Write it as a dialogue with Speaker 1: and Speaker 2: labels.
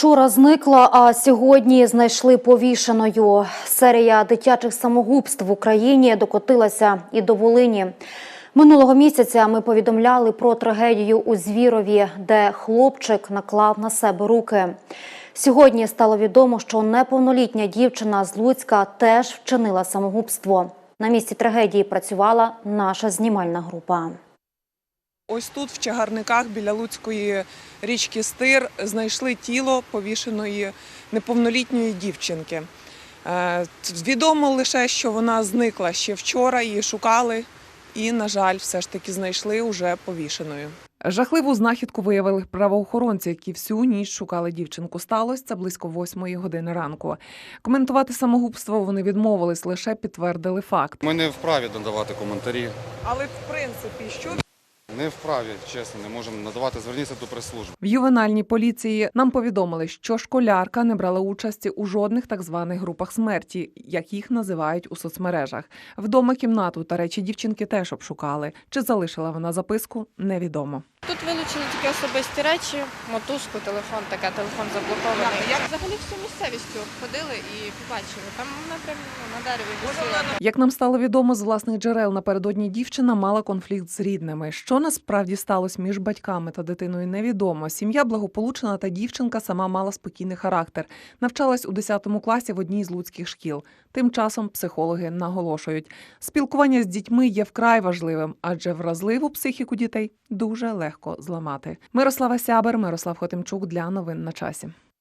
Speaker 1: Вчора зникла, а сьогодні знайшли повішеною. Серія дитячих самогубств в Україні докотилася і до Волині. Минулого місяця ми повідомляли про трагедію у Звірові, де хлопчик наклав на себе руки. Сьогодні стало відомо, що неповнолітня дівчина з Луцька теж вчинила самогубство. На місці трагедії працювала наша знімальна група.
Speaker 2: Ось тут, в Чагарниках, біля Луцької річки Стир, знайшли тіло повішеної неповнолітньої дівчинки. Відомо лише, що вона зникла ще вчора, її шукали і, на жаль, все ж таки знайшли уже повішеною. Жахливу знахідку виявили правоохоронці, які всю ніч шукали дівчинку. Сталося це близько 8 години ранку. Коментувати самогубство вони відмовились, лише підтвердили факт.
Speaker 3: Ми не вправі надавати коментарі.
Speaker 2: Але, в принципі, що?
Speaker 3: Не вправі, чесно, не можемо надавати. Зверніться до прес-служби.
Speaker 2: В ювенальній поліції нам повідомили, що школярка не брала участі у жодних так званих групах смерті, як їх називають у соцмережах. Вдома кімнату та речі дівчинки теж обшукали. Чи залишила вона записку – невідомо.
Speaker 4: Тут вилучили тільки особисті речі, мотузку, телефон заблокований. Як взагалі всю місцевістю обходили і побачили. Там вона прямо на дереві висіла.
Speaker 2: Як нам стало відомо з власних джерел, напередодні дівчина мала конфлікт з рідними. Що насправді сталося між батьками та дитиною, невідомо. Сім'я благополучна та дівчинка сама мала спокійний характер. Навчалась у 10 класі в одній з луцьких шкіл. Тим часом психологи наголошують, спілкування з дітьми є вкрай важливим, адже вразливу психіку дітей дуже легко зламати. Мирослава Сябер, Мирослав Хотимчук для новин на часі.